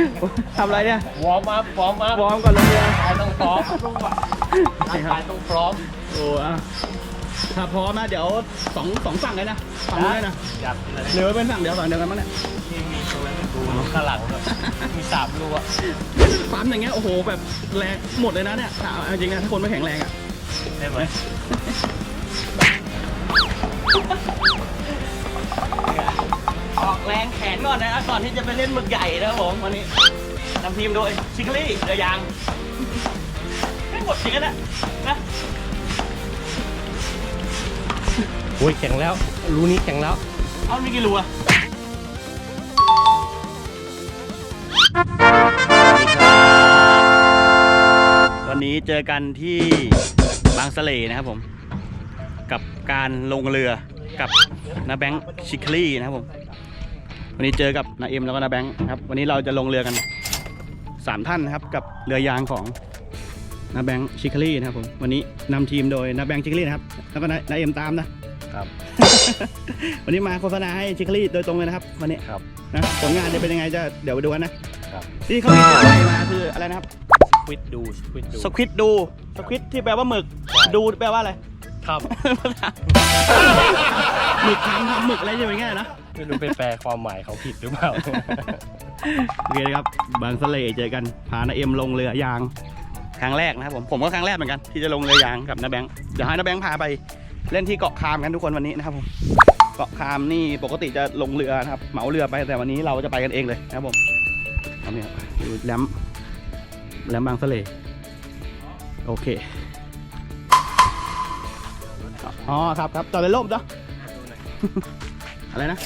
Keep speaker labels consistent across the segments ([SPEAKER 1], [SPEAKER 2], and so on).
[SPEAKER 1] ทำอะไรเนี่ยว
[SPEAKER 2] อร์มอัพวอร์มอัพ
[SPEAKER 1] วอร์มก่อนลงเรือ
[SPEAKER 2] ร่างกายต้องพร้อมร่างกายต้องพร้อม
[SPEAKER 1] โอ้อะถ้าพร้อมนะเดี๋ยวสองฝั่งเลยนะฝั่งนู้นเลยนะ
[SPEAKER 2] อยากกินอะไร
[SPEAKER 1] หรือว่าเป็นฝั่งเดียวฝั่งเดียวกันมั้งเนี่ย
[SPEAKER 2] ที่มีตัวดูข้างหลังแบบมี3 รูอะ
[SPEAKER 1] ปั๊มอย่างเงี้ยโอ้โหแบบแรงหมดเลยนะเนี่ยเอาจริงนะถ้าคนไม่แข็งแรงอ่ะ
[SPEAKER 2] ได้ไหม
[SPEAKER 1] ออกแรงแขนก่อนนะครับก่อนที่จะไปเล่นหมึกใหญ่นะครับผมวันนี้นำทีมโดยชิคลี่เรือยางไม่หมดจริงนะนะ
[SPEAKER 2] โอ้ยแข็งแล้วรูนี้แข็งแล้ว
[SPEAKER 1] เอามีกี่รูอะวันนี้เจอกันที่บางสะเลนะครับผมกับการลงเรือกับนาแบงค์ชิคลี่นะครับผมวันนี้เจอกับนาเอ็มแล้วก็นาแบงค์ครับวันนี้เราจะลงเรือกัน3 ท่านนะครับกับเรือยางของนาแบงค์ชิคลี่นะครับผมวันนี้นำทีมโดยนาแบงค์ชิคลี่นะครับแล้วก็นาเอ็มตามนะครับ วันนี้มาโฆษณาให้ชิคลี่โดยตรงเลยนะครับวันนี้
[SPEAKER 2] ครับ
[SPEAKER 1] นะผลงานจะเป็นยังไงจะเดี๋ยวไปดูกันนะครับ ที่เขามีตัวใหม่มาคืออะไรนะครับ
[SPEAKER 2] สควิดดู
[SPEAKER 1] สควิดดูสควิดที่แปลว่าหมึกดูแปลว่าอะไร
[SPEAKER 2] ครับ
[SPEAKER 1] หมึกทำหมึกอะไรอย่างเงี้ยนะ
[SPEAKER 2] ไม่รู้ไปแปลความหมายเขาผิดหรือเปล่า
[SPEAKER 1] โอเคนะครับบางสะเลเจอกันพานาเอ็มลงเรือยางครั้งแรกนะครับผมก็ครั้งแรกเหมือนกันที่จะลงเรือยางกับนาแบงค์เดี๋ยวให้นาแบงค์พาไปเล่นที่เกาะคามกันทุกคนวันนี้นะครับผมเกาะคามนี่ปกติจะลงเรือนะครับเหมาเรือไปแต่วันนี้เราจะไปกันเองเลยนะครับผมเอาเนี่ยดูแหลมบางสะเลโอเคอ๋อครับจอดในร่มจ้ะ อะไรนะ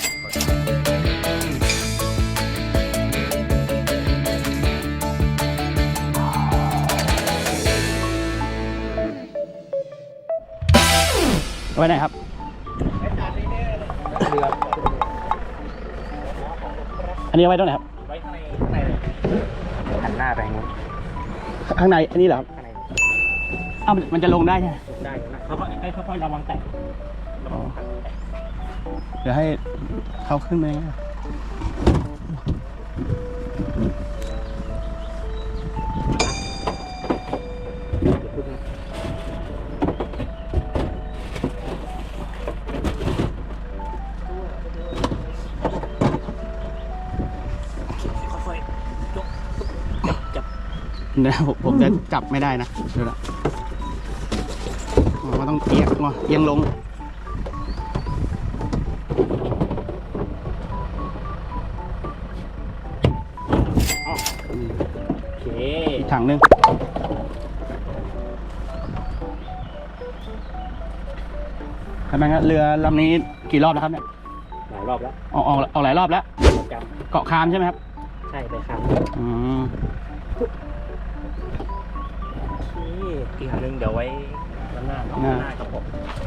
[SPEAKER 1] ไว้ไหนครับอันนี้เอาไว้ตรงไหนครับ
[SPEAKER 2] ไว้ข้างในหันหน้าไปนู้น
[SPEAKER 1] ข้างในอันนี้เหรอครับ
[SPEAKER 2] ข้างใน
[SPEAKER 1] อ้าวมันจะลงได้ใช่ไหม
[SPEAKER 2] ได้เขาค่อยระวังแตะ
[SPEAKER 1] เดี๋ยวให้เขาขึ้นมาเนี่ยผมจะจับไม่ได้นะเดี๋ยวนะมันต้องเอียงลง
[SPEAKER 2] โอเค
[SPEAKER 1] อีกถังนึงทำไมครับเรือลำนี้กี่รอบแล้วครับเนี่ย
[SPEAKER 2] หลายรอบแล้ว
[SPEAKER 1] ออกหลายรอบแล้ว
[SPEAKER 2] จ
[SPEAKER 1] เกาะคามใช่ไหมครับ
[SPEAKER 2] ำใช่ไปครับ
[SPEAKER 1] อืม
[SPEAKER 2] อีกหนึ่งเดี๋ยวไว้ด้านหน้าครับผม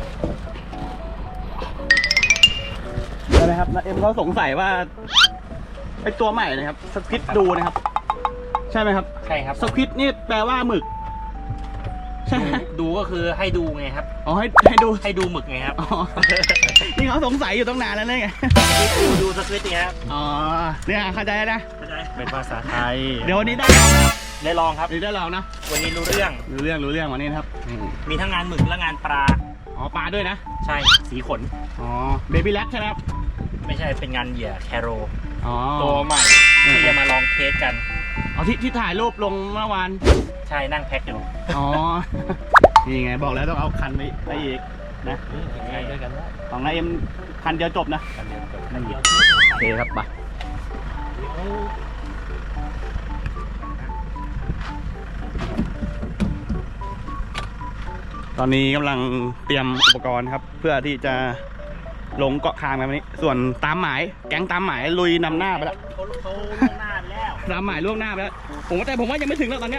[SPEAKER 1] ได้ไหมครับนาเอ็มเขาสงสัยว่าไอตัวใหม่นะครับสควิดดูนะครับ ใช่ไหมครับ
[SPEAKER 2] ใช่ครับ
[SPEAKER 1] สควิดนี่แปลว่าหมึกใช่ไหม
[SPEAKER 2] ดูก็คือให้ดูไงครับ
[SPEAKER 1] อ๋อให้ดู
[SPEAKER 2] ให้ดูหมึกไงครับ
[SPEAKER 1] อ๋อนี่เขาสงสัยอยู่ตั้งนานแล้วเนี่ยไง
[SPEAKER 2] ดูสควิตไงครับ
[SPEAKER 1] อ๋อเนี่ยเข้าใจนะ
[SPEAKER 2] เป็นภาษาไทย
[SPEAKER 1] เดี๋ยววันนี้ได้ลองนะ
[SPEAKER 2] ได้ลองครับ
[SPEAKER 1] วันนี้ได้ลองนะ
[SPEAKER 2] วันนี้รู้เรื่อง
[SPEAKER 1] รู้เรื่องวันนี้นะครับ
[SPEAKER 2] มีทั้งงานหมึกและงานปลา
[SPEAKER 1] อ๋อปลาด้วยนะ
[SPEAKER 2] ใช่สีขน
[SPEAKER 1] อ๋อเบบี้แล็กใช่ไหมครับ
[SPEAKER 2] ไม่ใช่เป็นงานเหยื่อแคโร
[SPEAKER 1] อ๋อ
[SPEAKER 2] ตัวใหม่ที่จะมาลองเทสกัน
[SPEAKER 1] อ๋อที่ถ่ายรูปลงเมื่อวาน
[SPEAKER 2] ใช่นั่งแพ็คอยู่
[SPEAKER 1] อ๋อ นี่ไงบอกแล้วต้องเอาคันไปอีกนะ
[SPEAKER 2] ใช่ด้วยกันว่า
[SPEAKER 1] ของนายเอ็มคันเดียวจบนะ
[SPEAKER 2] กันเดียวจบกันเดียว
[SPEAKER 1] โอเคครับไปตอนนี้กำลังเตรียมอุปกรณ์ครับ เพื่อที่จะลงเกาะคางกันวันนี้ ส่วนตามหมายแก๊งตามหมายลุยนำหน้าไปแล้ว
[SPEAKER 2] เขาล่วงหน้าไปแล้ว
[SPEAKER 1] ตามหมายล่วงหน้าไปแล้วผมว่ายังไม่ถึงแล้วตอนเนี้ย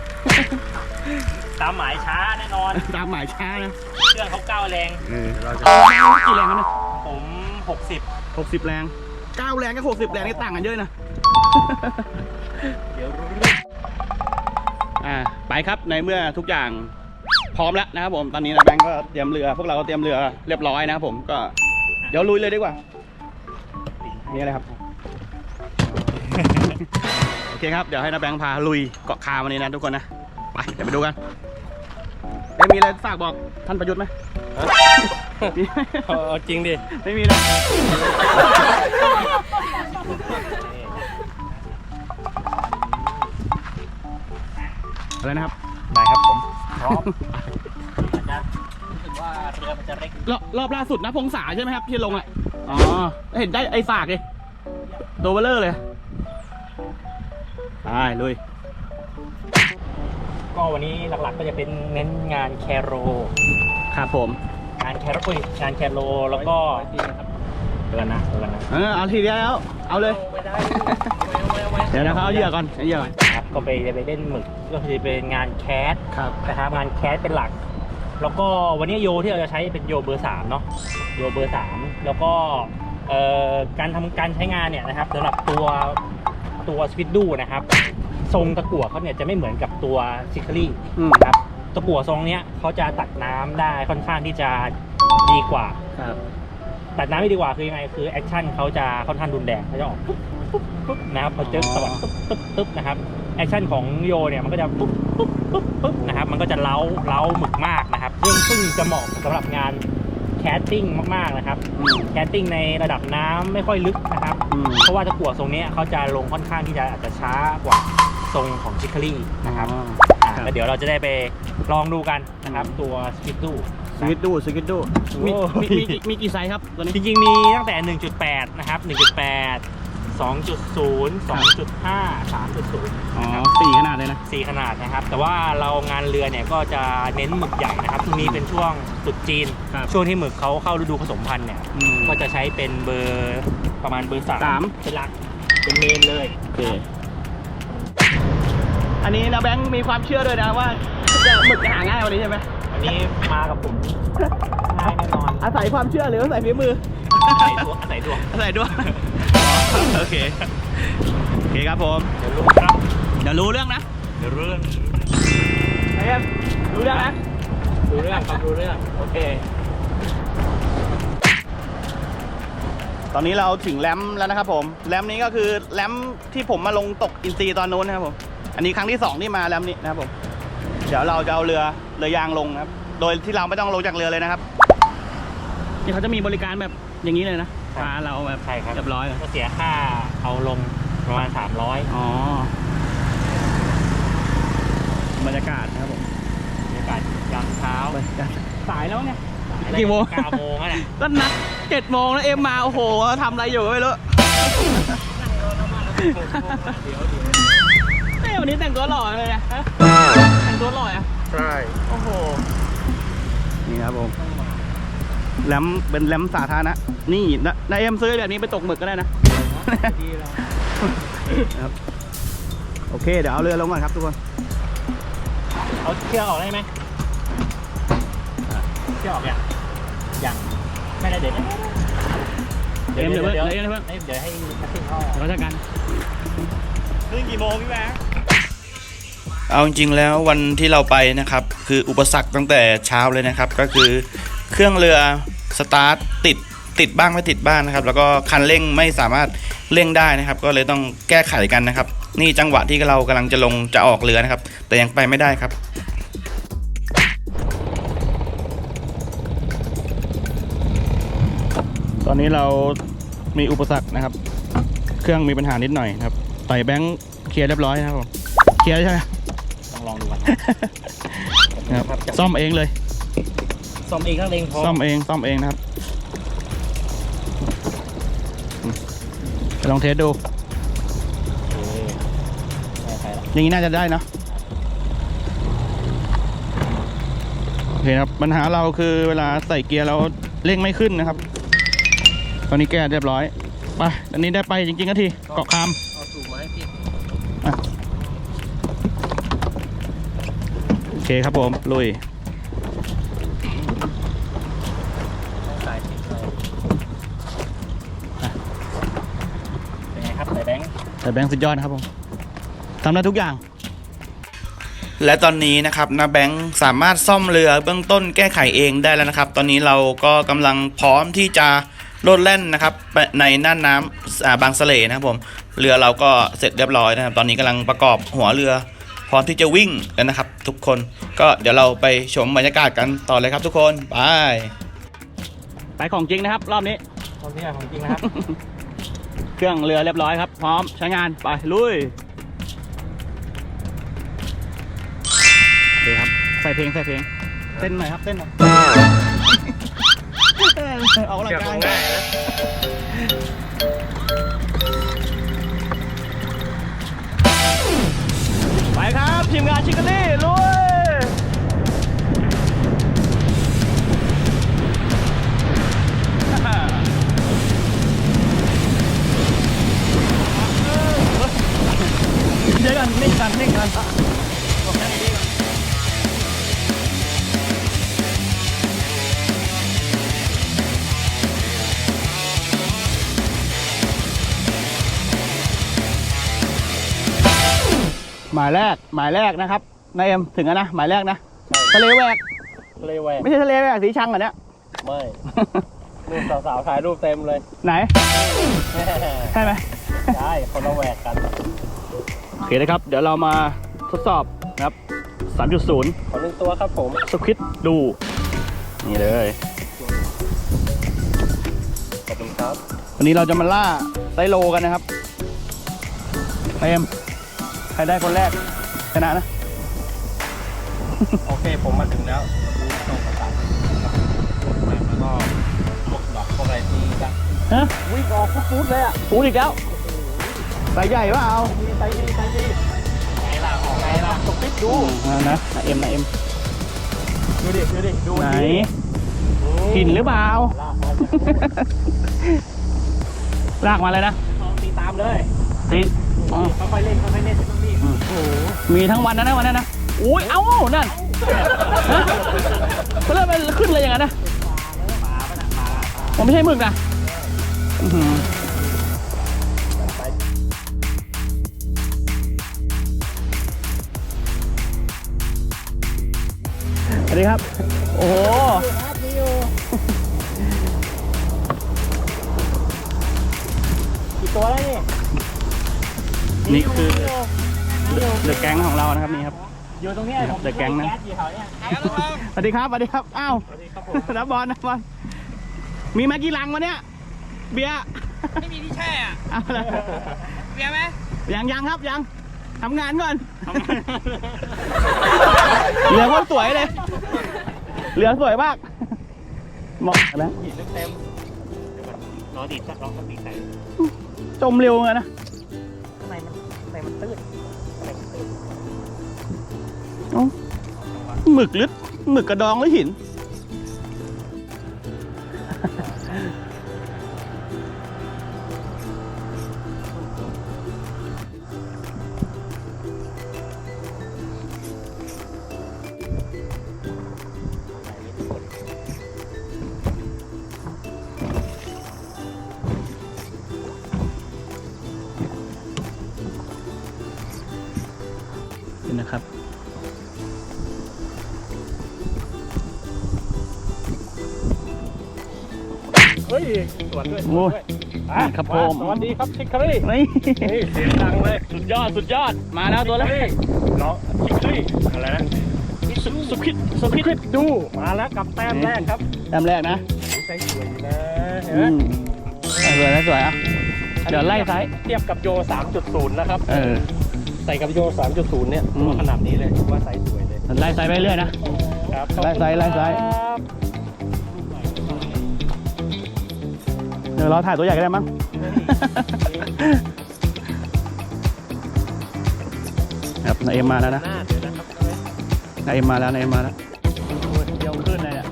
[SPEAKER 2] ตามหมายช้าแน่นอน
[SPEAKER 1] ตามหมายช้านะ
[SPEAKER 2] เครื่องเขาก้าวแรง
[SPEAKER 1] เราจะกี่แรงกันนะ
[SPEAKER 2] ผม60
[SPEAKER 1] 60 แรง9แรงกับ60 แรงนี่ต่างกันเยอะนะ
[SPEAKER 2] เดี๋ยวรู้เรื่อง
[SPEAKER 1] ไปครับในเมื่อทุกอย่างพร้อมแล้วนะครับผมตอนนี้นะแบงก์ก็เตรียมเรือพวกเราก็เตรียมเรือเรียบร้อยนะครับผมก็เดี๋ยวลุยเลยดีกว่านี่อะไรครับโอเคโอเคครับเดี๋ยวให้นาแบงค์พาลุยเกาะคาวันนี้นะทุกคนนะไปเดี๋ยวไปดูกันมีอะไรฝากบอกท่านประยุทธ์ไหม
[SPEAKER 2] เอาจริงดิ
[SPEAKER 1] ไม่มีนะอะไรนะครับ
[SPEAKER 2] ได้ครับผมพร้อมอาจารย์รู้สึกว่าเรือมันจะเล็ก
[SPEAKER 1] รอบล่าสุดนะพงษาใช่ไหมครับที่ลงอ่ะอ๋อเห็นได้ไอ้สากเลยตัวเบลเลอร์เลยไปลุย
[SPEAKER 2] ก็วันนี้หลักๆก็จะเป็นเน้นงานแคโร
[SPEAKER 1] ครับผม
[SPEAKER 2] งานแคโรแล้วก็เดือนนะ
[SPEAKER 1] เอาทีเดียวแล้วเอาเลย
[SPEAKER 2] ไม่ได้
[SPEAKER 1] เดี๋ยวนะครับเอาเหยื่อก่อนเอาเหยื่อก่อน
[SPEAKER 2] ครับก็ไปเล่นหมึกก็คือเป็นงานแคส
[SPEAKER 1] ครับ
[SPEAKER 2] นะครับงานแคสเป็นหลัก แล้วก็วันนี้โยที่เราจะใช้เป็นโยเบอร์3เนาะโยเบอร์3แล้วก็การใช้งานเนี่ยนะครับสำหรับตัวสปิดดูนะครับทรงตะกั่วเขาเนี่ยจะไม่เหมือนกับตัวซิคลี่นะครับตะกั่วทรงเนี้ยเขาจะตัดน้ำได้ค่อนข้างที่จะดีกว่า
[SPEAKER 1] ครับ
[SPEAKER 2] ตัดน้ำไม่ดีกว่าคือยังไงคือแอคชั่นเขาจะค่อนข้างรุนแรงเขาจะออกปุ๊บปุ๊บปุ๊บนะครับพอเจอสวัสดปุ๊บปุ๊บปุ๊บนะครับแอคชั่นของโยเนี่ยมันก็จะปุ๊บปุ๊บปุ๊บปุ๊บนะครับมันก็จะเล้าหมึกมากนะครับซึ่งจะเหมาะสำหรับงานแคสติ้งมากๆนะครับแคสติ้งในระดับน้ำไม่ค่อยลึกนะครับเพราะว่าตะกั่วทรงนี้เขาจะลงค่อนข้างที่จะอาจจะช้ากว่าทรงของชิคลี่นะครับแล้วเดี๋ยวเราจะได้ไปลองดูกันนะครับตัวสกิดดู
[SPEAKER 1] สกิดดูมีกี่ไซส์ครับตัวนี้
[SPEAKER 2] จริงๆมีตั้งแต่ 1.8 นะครับ 1.8 2.0 2.5 3.0
[SPEAKER 1] อ๋อ
[SPEAKER 2] นะครับ
[SPEAKER 1] 4ขนาดเลยนะ
[SPEAKER 2] 4ขนาดนะครับ แต่ว่าเรางานเรือเนี่ยก็จะเน้นหมึกใหญ่นะครับช่วงนี้เป็นช่วงตรุษจีน
[SPEAKER 1] ครับ
[SPEAKER 2] ช่วงที่หมึกเขาเข้าฤดูผสมพันธุ์เนี่ย
[SPEAKER 1] อืม
[SPEAKER 2] ก็จะใช้เป็นเบอร์ประมาณเบอร์
[SPEAKER 1] สาม
[SPEAKER 2] 3เป็นหลัก เป็นเมนเลย
[SPEAKER 1] โอเคอันนี้นะแบงค์มีความเชื่อด้วยนะว่าหมึกจะหาง่ายวันนี้ใช่ไหม
[SPEAKER 2] อันนี้มากับผมง่ายแน่นอน
[SPEAKER 1] อาศัยความเชื่อหรืออาศัยฝีมือ
[SPEAKER 2] ใส่ดวงใส่ดวง
[SPEAKER 1] อาศัยด้วยโอเคครับผม
[SPEAKER 2] เดี๋ยวรู้ครับ
[SPEAKER 1] เดี๋ยวรู้เรื่องนะ
[SPEAKER 2] เดี๋ยวเรื่อง
[SPEAKER 1] ไอ้เอ็มรู้เรื่องนะ
[SPEAKER 2] รู้เรื่องครับรู้เรื่อง
[SPEAKER 1] โอเคตอนนี้เราถึงแรมแล้วนะครับผมแรมนี้ก็คือแรมที่ผมมาลงตกอินซีตอนนู้นนะครับผมอันนี้ครั้งที่2ที่มาแรมนี้นะครับผมเดี๋ยวเราจะเอาเรือยางลงนะครับโดยที่เราไม่ต้องลงจากเรือเลยนะครับนี่เขาจะมีบริการแบบอย่างนี้เลยนะพาเราแบบ
[SPEAKER 2] ใช่ครับ
[SPEAKER 1] เรียบร้อยเลย
[SPEAKER 2] ก็เสียค่าเอาลงประมาณ300
[SPEAKER 1] อ๋อบรรยากาศนะครับผม
[SPEAKER 2] บรรยากาศยามเช้า
[SPEAKER 1] บรรยากาศสายแล้วเนี่ย
[SPEAKER 2] อะไร
[SPEAKER 1] กี่โมง
[SPEAKER 2] 9 โมงอ่ะเนี่ย
[SPEAKER 1] ก็นัด7 โมงแล้วเอ็มมาโอ้โหทำอะไรอยู่ก็ไม่รู้เฮ้ยวันนี้แต่งตัวหล่อเลยนะฮะแต่งตัวหล่ออ่ะ
[SPEAKER 2] ใช่
[SPEAKER 1] โอ้โหนี่ครับผมแรมเป็นแรมสาธารณะนี่นายเอ็มซื้อแบบนี้ไปตกหมึกก็ได้นะ
[SPEAKER 2] ดีแล้ว
[SPEAKER 1] ครับโอเคเดี๋ยวเอาเรือลงก่อนครับทุกคน
[SPEAKER 2] เอาเชือกออกได้ไหมเชือกออกอย่างไม่ได้เดี๋ยว
[SPEAKER 1] เอ็มเดี๋ยว
[SPEAKER 2] เดี๋ยว
[SPEAKER 1] เดี๋ยว
[SPEAKER 2] เดี๋ยวให้นักขึ้นเขา
[SPEAKER 1] เราจะกัน
[SPEAKER 2] ขึ้นกี่โมงพี่แบงค์
[SPEAKER 3] เอาจริงๆแล้ววันที่เราไปนะครับคืออุปสรรคตั้งแต่เช้าเลยนะครับก็คือเครื่องเรือสตาร์ทติดบ้างไม่ติดบ้างนะครับแล้วก็คันเร่งไม่สามารถเร่งได้นะครับก็เลยต้องแก้ไขกันนะครับนี่จังหวะที่เรากำลังจะออกเรือนะครับแต่ยังไปไม่ได้ครับ
[SPEAKER 1] ตอนนี้เรามีอุปสรรคนะครับ เครื่องมีปัญหานิดหน่อยนะครับต่อยแบงค์เคลียร์เรียบร้อยนะครับผมเคลียร์ใช่ไหม
[SPEAKER 2] ต้องลองดูกัน
[SPEAKER 1] นะครับซ่อมเองเลย
[SPEAKER 2] ซ่อมเองก็เร่งพอ
[SPEAKER 1] ซ่อมเองนะครับไปลองเทสดู
[SPEAKER 2] โอเคได้ใครละ
[SPEAKER 1] อย่างนี้น่าจะได้เนอะโอเคครับปัญหาเราคือเวลาใส่เกียร์เราเร่งไม่ขึ้นนะครับ ตอนนี้แก้เรียบร้อยไปอันนี้ได้ไปจริงๆก็ทีเกาะคาม
[SPEAKER 2] เอาสูบมาให้พี่
[SPEAKER 1] โอเคครับผมลุย
[SPEAKER 2] สายติดเลยเป็นไงครับสายแบงค์
[SPEAKER 1] แต่แบงค์สุดยอดนะครับผมทำได้ทุกอย่าง
[SPEAKER 3] และตอนนี้นะครับนาแบงค์สามารถซ่อมเรือเบื้องต้นแก้ไขเองได้แล้วนะครับ ตอนนี้เราก็กำลังพร้อมที่จะโลดแล่นนะครับในน่านน้ำบางสะเลนะครับผมเรือเราก็เสร็จเรียบร้อยนะครับตอนนี้กำลังประกอบหัวเรือพร้อมที่จะวิ่งแล้วนะครับ ทุกคนก็เดี๋ยวเราไปชมบรรยากาศกันต่อเลยครับทุกคน
[SPEAKER 1] ไปของจริงนะครับรอบนี้
[SPEAKER 2] ตอนนี้ของจริงนะครับ
[SPEAKER 1] เครื่องเรือเรียบร้อยครับพร้อมใช้งานไปลุยโอเคครับใส่เพลงเต้นหน่อยครับเต้นหน่อยเอาละกันไปครับทีมงานชิคกี้พายลุยเดี๋ยวกันนิ่งกันหมายแรกนะครับนายเอ็มถึงแล้วนะหมายแรกนะทะเลแหวกไม่ใช่ทะเลแหวกสีชังเหรอเนี่ย
[SPEAKER 2] ไม่รูปสาวๆถ่ายรูปเต็มเลย
[SPEAKER 1] ไหนใช่ไหม
[SPEAKER 2] ใช่คนละแหวกกัน
[SPEAKER 1] โอเคนะครับเดี๋ยวเรามาทดสอบนะครับ 3.0
[SPEAKER 2] ขอ1ตัวครับผม
[SPEAKER 1] สควิดดูนี่เลย
[SPEAKER 2] ขอบคุณครับ
[SPEAKER 1] วันนี้เราจะมาล่าไซโลกันนะครับนายเอ็มใครได้คนแรกชนะนะ
[SPEAKER 2] โอเคผมมาถึงแล้วต้องประกาศแล้วก็พวกดอกพวกอะไรที่จะวิ่งออกฟูดเลยอ่ะ
[SPEAKER 1] ฟูดอีกแล้วใส่ใหญ่ว่าเอา
[SPEAKER 2] ใส่ดีไงล่ะตกปิดดู
[SPEAKER 1] นะเอ็ม
[SPEAKER 2] ดูดิ
[SPEAKER 1] ไหนหินหรือเปล่าลากมาเลยนะ
[SPEAKER 2] ตีตามเลย
[SPEAKER 1] ตี
[SPEAKER 2] ค่อยๆเล่นต้องรีบ
[SPEAKER 1] มีทั้งวันนะวันนั้นนะอุ้ยเอ้านั่นเขาเริ่มมันขึ้นเลยอย่างนั้นนะผมไม่ใช่หมึกนะสวัสดีครับโอ้โห
[SPEAKER 2] กี่ตัวแล้ว
[SPEAKER 1] นี่คือเดอะแก๊งของเรานะครับนี่ครับ
[SPEAKER 2] อยู่ตรงนี้
[SPEAKER 1] เดอะแก๊งนะสวัสดีครับอ้าวนับบอลมีมากี่ลังวะเนี่ยเบียร์
[SPEAKER 4] ไม่มีที่แช่อ่ะเบียร์ไหม
[SPEAKER 1] ยังครับยังทำงานก่อนเรือสวยเลยเรือสวยมากเหมาะแล้ว
[SPEAKER 2] เต็มรอดีดสักรอบก็ตีใส่
[SPEAKER 1] จมเร็วเลยนะ
[SPEAKER 2] ข้างในมันตื้น
[SPEAKER 1] หมึกลึกหมึกกระดองหรือหินนะครับ
[SPEAKER 2] เฮ้ยสวัสดีด้วย
[SPEAKER 1] ครับผม
[SPEAKER 2] สวัสดีครับชิคคารี่
[SPEAKER 1] นี่
[SPEAKER 2] เสียงดังเลย
[SPEAKER 1] สุดยอดมาแล้วตัวแรก
[SPEAKER 2] น้องชิคคารี่อะไรนะ
[SPEAKER 1] สุขิด
[SPEAKER 2] ดูมาแล้วกับแต้มแรกครับ
[SPEAKER 1] แต้มแรกนะ
[SPEAKER 2] ใส่สวยนะเห็นไหม
[SPEAKER 1] สวยอ่ะเดี๋ยวไล่ไซส์
[SPEAKER 2] เทียบกับโย 3.0 นะครับใส่กับโย 3.0 เนี่ยขนาดนี้เลยว่าใส่สวยเลย
[SPEAKER 1] ไล่ไซส์ไปเรื่อยนะไล่ไซส์เดี๋ยวเราถ่ายตัวใหญ่ก็ได้มั้งครับนายเอ็มมาแล้วนะนายเอ็มมาแล้วเดี๋ยวขึ้นเลยเนี่ย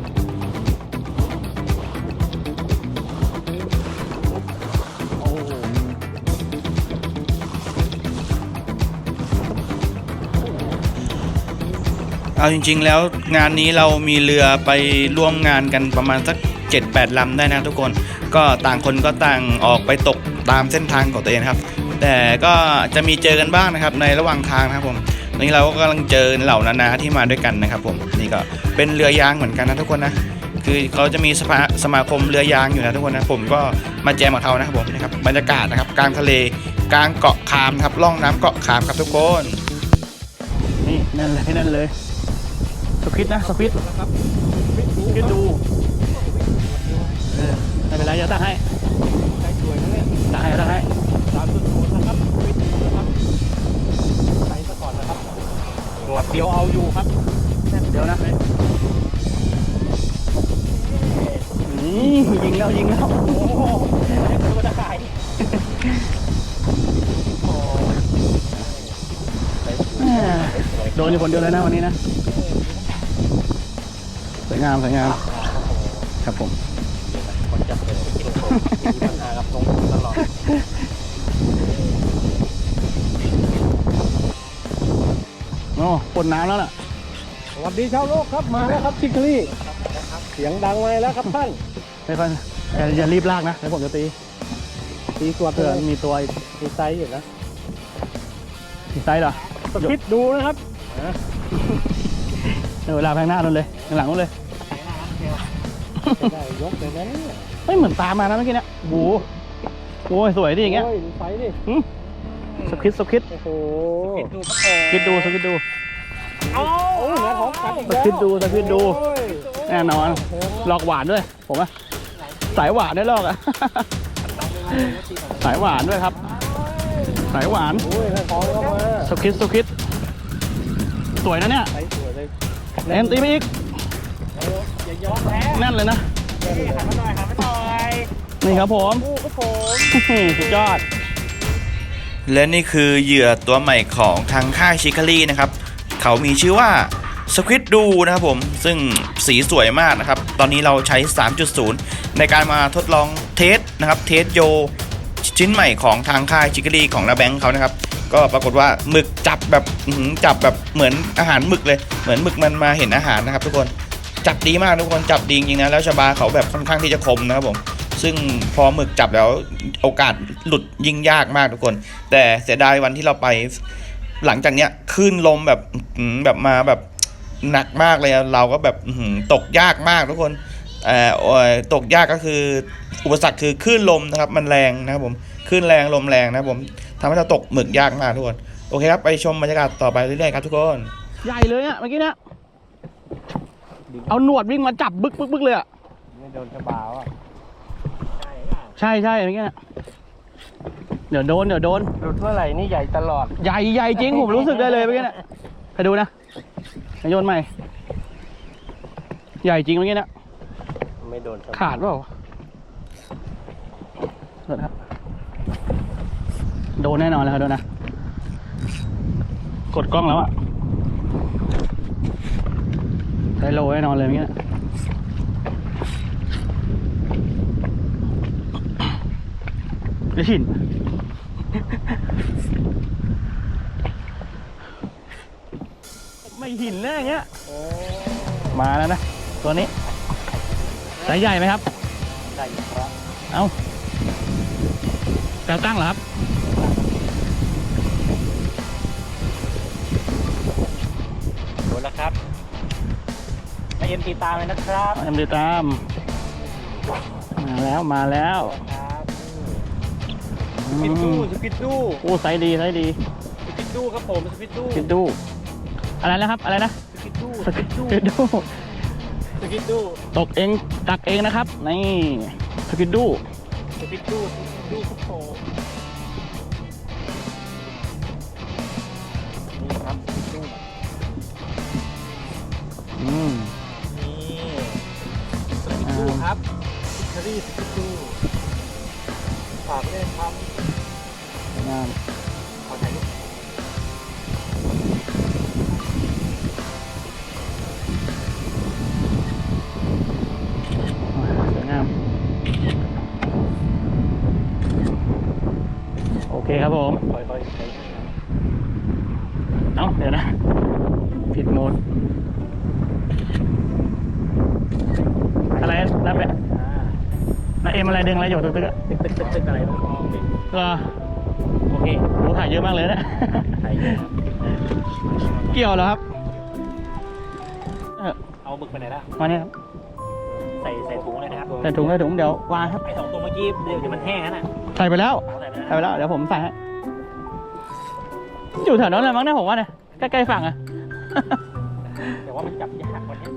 [SPEAKER 3] เอาจริงๆแล้วงานนี้เรามีเรือไปร่วมงานกันประมาณสัก 7-8 ลำได้นะทุกคนก็ต่างคนก็ต่างออกไปตกตามเส้นทางของตัวเองครับแต่ก็จะมีเจอกันบ้างนะครับในระหว่างทางนะครับผมตอนนี้เราก็กำลังเจอเหล่านานาที่มาด้วยกันนะครับผมนี่ก็เป็นเรือยางเหมือนกันนะทุกคนนะคือเขาจะมีสมาคมเรือยางอยู่นะทุกคนนะผมก็มาแจมกับเขานะครับผมนะครับบรรยากาศนะครับกลางทะเลกลางเกาะคามนะครับล่องน้ำเกาะคามครับทุกคน
[SPEAKER 1] นี่นั่นเลยนั่นเลยสควิดนะสควิดคิดดูไม่เป็นไรเดี๋ยวตั้งให้ตั้งให้ตั้งให้
[SPEAKER 2] ตามจุดศูนย์นะครับไม่ถึงนะครับไปซะก่อนนะครับแบบเดียวเอาอยู่ครับ
[SPEAKER 1] เดี๋ยวนะนี่ยิงแล้วยิงแล้ว
[SPEAKER 2] โอ้โหไม่เป็นตัวตะข่าย
[SPEAKER 1] โดนอยู่คนเดียวเลยนะวันนี้นะสวยงามสวยงามครับผม
[SPEAKER 2] คนจับเลยมีปัญหากับตรงตลอด
[SPEAKER 1] โอ้ปนน้ำแล้วล่ะ
[SPEAKER 2] สวัสดีชาวโลกครับมาแล้วครับชิคลี่เสียงดังมาแล้วครับท่าน
[SPEAKER 1] ไม่ค่อยอย่ารีบลากนะเดี๋ยวผมจะตี
[SPEAKER 2] ตีตัว
[SPEAKER 1] เผื่อมีตัว
[SPEAKER 2] มีไซส์อยู่นะ
[SPEAKER 1] มีไซส์เหรอ
[SPEAKER 2] สคิดดูนะครับ
[SPEAKER 1] เวลาแพงหน้านู่นเลยข้างหลังนู่นเลย
[SPEAKER 2] ได้ยกเลยนะเนี่ย
[SPEAKER 1] เฮ้ยเหมือนตามมานะเมื่อกี้เนี่ยโอ้โหสวยดิอย่างเงี้ย
[SPEAKER 2] โอ้ยดูไซส์ดิ
[SPEAKER 1] สควิดสควิด
[SPEAKER 2] โอ้โห
[SPEAKER 1] คิดดูสควิดดู
[SPEAKER 2] เอาเนื้อท้องกัดอีก
[SPEAKER 1] ส
[SPEAKER 2] แล้ว
[SPEAKER 1] ควิดดูสควิดดู
[SPEAKER 2] โอ้ย
[SPEAKER 1] แน่นอนหลอกหวานด้วยผมอะสายหวานด้วยหลอกอะ สายหวานด้วยครับสายหวาน
[SPEAKER 2] โอ้ยเนื้อท้องเข้ามา
[SPEAKER 1] สควิดสควิดสวยนะเนี่ย
[SPEAKER 2] ไซส์สวยเลย
[SPEAKER 1] แอนตีไปอีก
[SPEAKER 2] อย่ายอมแพ้
[SPEAKER 1] แน่นเลยนะ
[SPEAKER 2] หันมาหน่อยหันมาหน่อย
[SPEAKER 1] นี่ครับผม
[SPEAKER 2] โอ้ครับผม
[SPEAKER 1] สุดยอด
[SPEAKER 3] และนี่คือเหยื่อตัวใหม่ของทางค่ายชิคารีนะครับเขามีชื่อว่าสควิดดูนะครับผมซึ่งสีสวยมากนะครับตอนนี้เราใช้ 3.0 ในการมาทดลองเทสนะครับเทสโยชิ้นใหม่ของทางค่ายชิคารีของนาแบงค์เขานะครับก็ปรากฏว่าหมึกจับแบบจับแบบเหมือนอาหารหมึกเลยเหมือนหมึกมันมาเห็นอาหารนะครับทุกคนจับดีมากทุกคนจับดีจริงๆนะแล้วชบาเขาแบบค่อนข้างที่จะคมนะครับผมซึ่งพอหมึกจับแล้วโอกาสหลุดยิ่งยากมากทุกคนแต่เสียดายวันที่เราไปหลังจากเนี้ยคลื่นลมแบบมาแบบหนักมากเลยเราก็แบบตกยากมากทุกคนตกยากก็คืออุปสรรคคือคลื่นลมนะครับมันแรงนะครับผมคลื่นแรงลมแรงนะครับผมทำให้เราตกหมึกยากมากทุกคนโอเคครับไปชมบรรยากาศต่อไปเรื่อยๆครับทุกคน
[SPEAKER 1] ใหญ่เลยอะเมื่อกี้เนี่ยเอาหนวดวิ่งมาจับบึกบึกบึกเลยอะ
[SPEAKER 2] ไม่โดนชะบาว่ะ
[SPEAKER 1] ใช่ใช่เมื่อกี้เนี่ยเดี๋ยวโดน
[SPEAKER 2] หลุดเมื่อไหร่นี่ใหญ่ตลอด
[SPEAKER 1] ใหญ่จริงผมรู้สึกได้เลยเมื่อกี้เนี่ยไปดูนะโยนใหม่ใหญ่จริงเมื่อกี้เนี่ย
[SPEAKER 2] ไม่โดนชะบา
[SPEAKER 1] ขาดเปล่าโดนครับโดนแน่นอนแล้วครับโดนนะกดกล้องแล้วอะใช้โลแน่นอนเลยเมื่อกี้เนี่ยไม่หินไม่หินแน่อย่างเงี้ยมาแล้วนะตัวนี้สายใหญ่ไหมครับ
[SPEAKER 2] ได้ครับ
[SPEAKER 1] เอาแก้วตั้งเหรอครับ
[SPEAKER 2] โดนแล้วครับมาเอ็มตีตามเลยนะครับ
[SPEAKER 1] เอ็มดีตามมาแล้ว
[SPEAKER 2] ครับ
[SPEAKER 1] อื
[SPEAKER 2] สปิดดู
[SPEAKER 1] ม
[SPEAKER 2] สปิดดู
[SPEAKER 1] โอ้ไซส์ดีไซส์ดี
[SPEAKER 2] สปิดดูครับผมสปิดดู
[SPEAKER 1] คิดดูอะไรนะครับอะไรนะ
[SPEAKER 2] สปิดดู
[SPEAKER 1] สกิดดู
[SPEAKER 2] สปิดดู
[SPEAKER 1] ตกเองตักเองนะครับนี่สกิดดู
[SPEAKER 2] สปิดดูสปิดดูครับผมนี่ครับสปิดดู
[SPEAKER 1] อืม
[SPEAKER 2] นี่สปิดดูครับซิคารีสปิดดูฝากด้วยครับ
[SPEAKER 1] งาม
[SPEAKER 2] ขอถ่ายรูป
[SPEAKER 1] สวยงามโอเคครับผม
[SPEAKER 2] ค่อยๆใช้
[SPEAKER 1] เอ้าเดี๋ยวนะผิดโหมดอะไรนับไปนับเอ็มอะไรดึงอะไรอยู่ตึกๆอะ
[SPEAKER 2] ตึกอะไรต้องมองดิ
[SPEAKER 1] เหรอ
[SPEAKER 2] โอเค
[SPEAKER 1] โอ้ถ่ายเยอะมากเลยนะ
[SPEAKER 2] ถ่ายเยอะครับ
[SPEAKER 1] เกี่ยวเหรอครับ
[SPEAKER 2] เอาบึกไปไหนล่ะ
[SPEAKER 1] มาเนี่ยครับ
[SPEAKER 2] ใส่ถุงเลยนะครับ
[SPEAKER 1] ใส่ถุงเดี๋ยววางครับ
[SPEAKER 2] ไอ้2 ตัวเมื่อกี้เดี๋ยวมันแห้งนะ
[SPEAKER 1] ใส่ไปแล้ว
[SPEAKER 2] ใส่ไปแล้ว
[SPEAKER 1] ใส่ไปแล้วเดี๋ยวผมใส่ให้อยู่แถวนั้นเลยมั้งเนี่ยผมว่าเนี่ยใกล้ๆฝั่งอะ
[SPEAKER 2] แต่ว่ามันจับยากวันนี้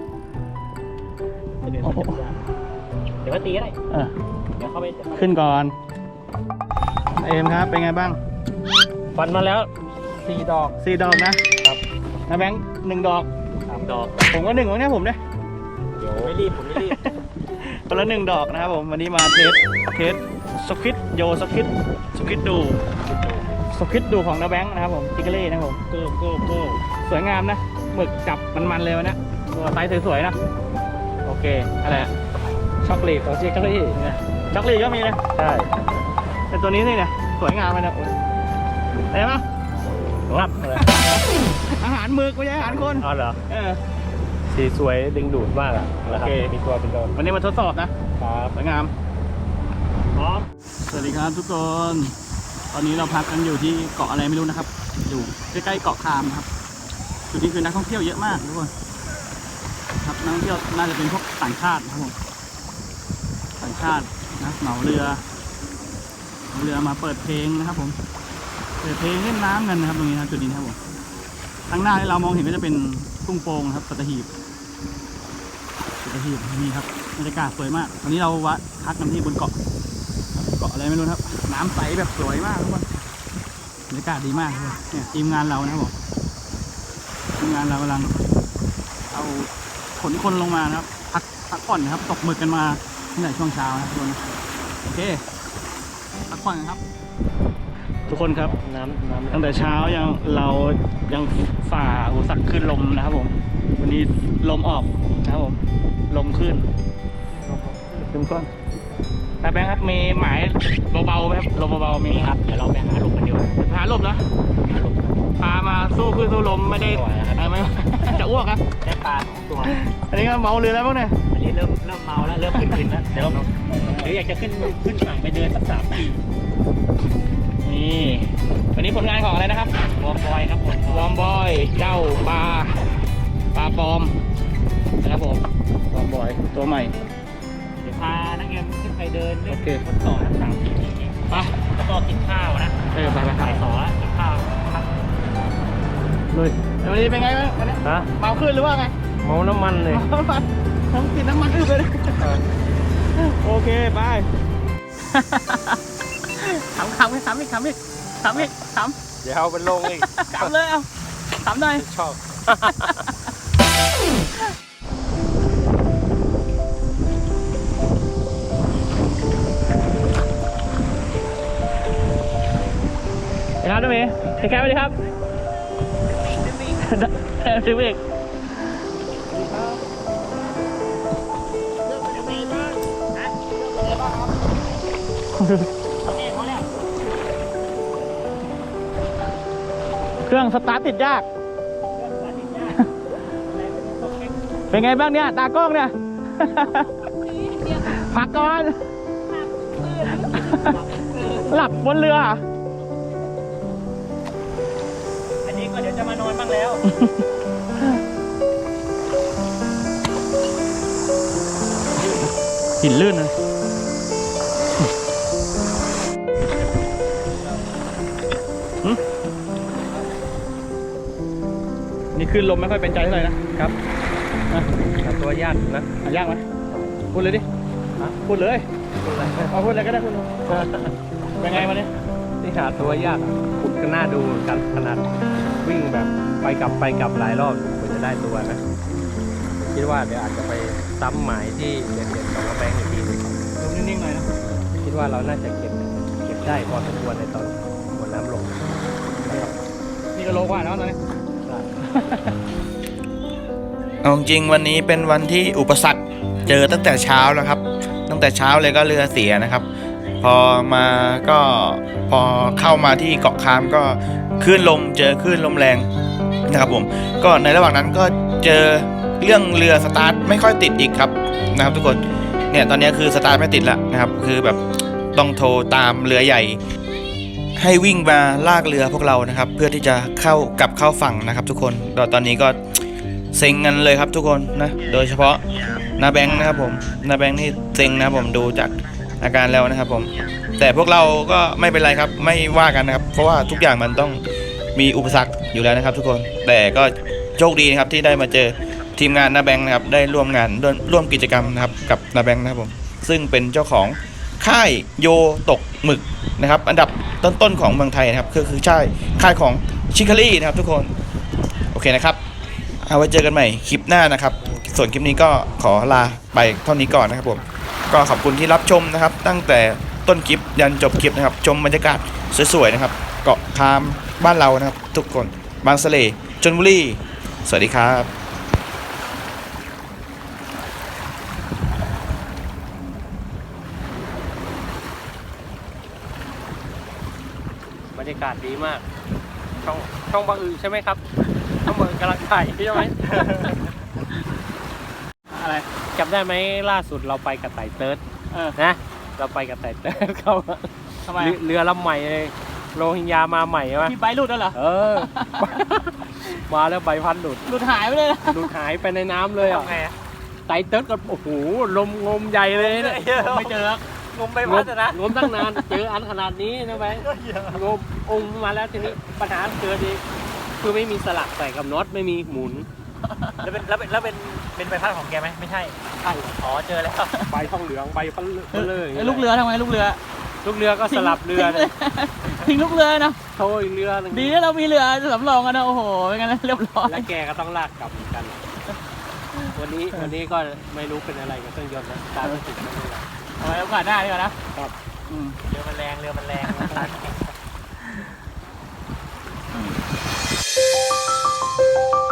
[SPEAKER 2] เดี๋ยวมันจับยากเดี๋ยวก็ตีก็ได้
[SPEAKER 1] เออ
[SPEAKER 2] เดี๋ยวเข้าไป
[SPEAKER 1] ขึ้นก่อนเอ็มครับเป็นไงบ้าง
[SPEAKER 2] ฟันมาแล้ว4 ดอก
[SPEAKER 1] 4 ดอกนะครับ นะแบงค์1 ดอก
[SPEAKER 2] 3 ดอก
[SPEAKER 1] ผมก็1ของเนี่ยผมเนี่ย
[SPEAKER 2] เดี๋ยวไม่รีบผมไม่รีบ
[SPEAKER 1] คนละ1 ดอกนะครับผมวันนี้มาเทสสควิดโยสควิดดูของนะแบงค์นะครับผมจิกเกอรี่นะครับผม
[SPEAKER 2] โก้
[SPEAKER 1] สวยงามนะหมึกจับมันๆเลยวันนี้ตัวไซส์สวยๆนะโอเคอะไรอะ
[SPEAKER 2] ช็อกโกแลตของจิกเกอรี่
[SPEAKER 1] เนี่ยช็อกโกแลตก็มีนะ
[SPEAKER 2] ใช่
[SPEAKER 1] แต่ตัวนี้นี่เนี่ยสวยงามเลยนะเห็นปะ
[SPEAKER 2] รับเลย
[SPEAKER 1] อาหารหมึกไม่ใช่อาหารคน
[SPEAKER 2] อ๋อเหรอ
[SPEAKER 1] สี
[SPEAKER 2] สวยดึงดูดมากอ่ะนะครับมีตัวเป็นตัว
[SPEAKER 1] วันนี้มาทดสอบนะครับ สวยงาม
[SPEAKER 2] พร้อม
[SPEAKER 1] สวัสดีครับทุกคน ตอนนี้เราพักกันอยู่ที่เกาะอะไรไม่รู้นะครับ อยู่ใกล้ๆเกาะคามนะครับจุดนี้คือนักท่องเที่ยวเยอะมากทุกคนครับนักท่องเที่ยวน่าจะเป็นพวกต่างชาตินะครับผมต่างชาตินะเหมาเรือมาเปิดเพลงนะครับผมเปิดเพลงเล่นน้ำกันนะครับตรงนี้นะจุดนี้นะครับผมข้างหน้าที่เรามองเห็นก็จะเป็นทุ่งโป่งนะครับสัตหีบนี่ครับบรรยากาศสวยมากวันนี้เราพักกันที่บนเกาะอะไรไม่รู้ครับน้ำใสแบบสวยมากทุกคนบรรยากาศดีมากเลยเนี่ยทีมงานเรานะครับผมทีมงานเรากำลังเอาขนคนลงมานะครับพักผ่อนนะครับตกหมึกกันมาตั้งแต่ช่วงเช้านะครับทุกคนโอเคพักผ่อนกันครับ ทุกคนครับ
[SPEAKER 2] น้ำ
[SPEAKER 1] ตั้งแต่เช้าเรายังฝ่าอุปสรรคขึ้นลมนะครับผมวันนี้ลมออกนะครับผมลมขึ้นก้อนแต่แบงค์ครับมีหมายเบาๆไหมครับลมเบาๆมีครับ
[SPEAKER 2] เดี๋ยวเราไปหาลมกันดีกว่า
[SPEAKER 1] หาลมนะ
[SPEAKER 2] หาลม
[SPEAKER 1] พามาสู้ขึ้นสู้ลมไม่ได้ ไม่ จะอ้วกครับ
[SPEAKER 2] ได้ปลา2 ตัว
[SPEAKER 1] อันนี้ก็เมาเรือแล้วพวกเนี่ย
[SPEAKER 2] อันนี้เริ่มเมาแล้วเริ่มขึ้นแล้วเดี๋ยวหรืออยากจะขึ้นฝั่งไปเดินสัก3 ปี
[SPEAKER 1] นี่วันนี้ผลงานของอะไรนะครับ
[SPEAKER 2] วอร์มบอยครับผม
[SPEAKER 1] วอร์มบอยเจ้าปลาปลอมนะครับผมวอร์มบอยตัวใหม่
[SPEAKER 2] เดี๋ยวพานักเรียนขึ้นไปเดินเล่น
[SPEAKER 1] โอเค
[SPEAKER 2] บนเกาะทั้ง3 ปี
[SPEAKER 1] ไป
[SPEAKER 2] แล้วก็กินข้าวนะ
[SPEAKER 1] ไปครับ
[SPEAKER 2] บ่าย 2แล้วกินข้าวครับ
[SPEAKER 1] ลุยวันนี้เป็นไงบ้างวันนี้
[SPEAKER 2] ฮะ
[SPEAKER 1] เมาขึ้นหรือว่าไง
[SPEAKER 2] เมาน้ำมันเลย
[SPEAKER 1] น้ำมันต้องกินน้ำมันอึบเลยโอเคไปขำอีก
[SPEAKER 2] เดี๋ยวเอาเป็นลงอีก
[SPEAKER 1] ขำเลยเอาขำหน่อย
[SPEAKER 2] ชอบ
[SPEAKER 1] ครับน้องเมย์พี่แคปสวัสดีครับซื้อเอกเครื่องสตาร์ทติดยาก เป็นไงบ้างเนี่ยตากล้องเนี่ย พักก่อน หลับบนเรือ
[SPEAKER 2] อันนี้ก็เดี๋ยวจะมานอนบ้างแล้ว
[SPEAKER 1] หินลื่นเลยนี่ขึ้นลมไม่ค่อยเป็นใจเท่าไหร่นะครับ
[SPEAKER 2] ตัวยากนะ
[SPEAKER 1] ยากไหมพูดเลยดิพูดเลยเอาพูดอะไรก็ได้พูดเลยเป็นไงมาเนี่ย
[SPEAKER 2] นี่หาตัวยากขุดก็น่าดูกันขนาดวิ่งแบบไปกลับหลายรอบกว่าจะได้ตัวนะคิดว่าเดี๋ยวอาจจะไปซ้ำหมายที่เด็ดๆของกระแบงอีกทีนึง
[SPEAKER 1] ลมนิ่งๆหน่อยนะ
[SPEAKER 2] คิดว่าเราน่าจะเก็บได้พอสมควรในตอนบนน้ำลง
[SPEAKER 1] นี่ก็โลกว่าแล้วตอนนี้
[SPEAKER 3] เอาจริงวันนี้เป็นวันที่อุปสรรคเจอตั้งแต่เช้าแล้วครับ ตั้งแต่เช้าเลยก็เรือเสียนะครับ พอเข้ามาที่เกาะคามก็คลื่นลมเจอคลื่นลมแรงนะครับผมก็ในระหว่างนั้นก็เจอเรื่องเรือสตาร์ทไม่ค่อยติดอีกครับนะครับทุกคนเนี่ยตอนนี้คือสตาร์ทไม่ติดแล้วนะครับคือแบบต้องโทรตามเรือใหญ่ให้วิ่งมาลากเรือพวกเรานะครับเพื่อที่จะกลับเข้าฝั่งนะครับทุกคนตอนนี้ก็เซ็งกันเลยครับทุกคนนะโดยเฉพาะนาแบงค์นะครับผมนาแบงค์นี่เซ็งนะครับผมดูจากอาการแล้วนะครับผมแต่พวกเราก็ไม่เป็นไรครับไม่ว่ากันนะครับเพราะว่าทุกอย่างมันต้องมีอุปสรรคอยู่แล้วนะครับทุกคนแต่ก็โชคดีนะครับที่ได้มาเจอทีมงานนาแบงค์นะครับได้ร่วมงานร่วมกิจกรรมนะครับกับนาแบงค์นะครับผมซึ่งเป็นเจ้าของค่ายโยตกหมึกนะครับอันดับต้นๆของเมืองไทยนะครับคือค่ายของชิคารี่นะครับทุกคนโอเคนะครับเอาไว้เจอกันใหม่คลิปหน้านะครับส่วนคลิปนี้ก็ขอลาไปเท่านี้ก่อนนะครับผมก็ขอบคุณที่รับชมนะครับตั้งแต่ต้นคลิปยันจบคลิปนะครับชมบรรยากาศสวยๆนะครับเกาะคามบ้านเรานะครับทุกคนบางสะเลชลบุรีสวัสดีครับ
[SPEAKER 2] บรรยากาศดีมากช่องบางอือใช่ไหมครับช่องบางอือกำลังถ่ายใช่ไหม
[SPEAKER 1] อะไร
[SPEAKER 2] จำได้ไหมล่าสุดเราไปกับไต่เติร์ด นะ เราไปกับไต่เติร์ดเข้า
[SPEAKER 1] ทำไม
[SPEAKER 2] เรือลำใหม่เลยโรฮิงญามาใหม่ใช่ไหม
[SPEAKER 1] พี่ไบค์หลุดแล้วเหรอ
[SPEAKER 2] มาแล้วใบพัดหลุด
[SPEAKER 1] หลุดหายไปเลยนะ
[SPEAKER 2] หลุดหายไปในน้ำเลยอ่ะ
[SPEAKER 1] ทำไงอะ
[SPEAKER 2] ไต่เติร์ดก็โอ้โหลมงมใหญ่เลยเนี่ย
[SPEAKER 1] ไม่เจอ งมใบพัดนะ
[SPEAKER 2] งมตั้งนานเจออันขนาดนี้นะแบงค์งมองค์มาแล้วทีนี้ปัญหาเกิดอีกคือไม่มีสลักใส่กับน็อตไม่มีหมุน
[SPEAKER 1] แล้วเป็นใบพัดของแกไหมไม่ใช่
[SPEAKER 2] ใช่
[SPEAKER 1] อ๋อเจอแล้ว
[SPEAKER 2] ใบทองเหลืองใบพันเลย
[SPEAKER 1] ลูกเรือทำไงลูกเรือ
[SPEAKER 2] ลูกเรือก็สลับเรือเลย
[SPEAKER 1] ทิ้งลูกเรือนะ
[SPEAKER 2] โทยเรือหนึ่ง
[SPEAKER 1] ดีนะเรามีเรือสำรองกันนะโอ้โหเป็นไงนะเรียบร้อย
[SPEAKER 2] แล้วแกก็ต้องลากกลับเหมือนกัน วันนี้ก็ไม่รู้เป็นอะไรกับเครื่องยนต์นะตามไม่ติดไม่รู้อะไร
[SPEAKER 1] เอาไว้โอกาสหน้าดีกว่านะครับ เรือมันแรง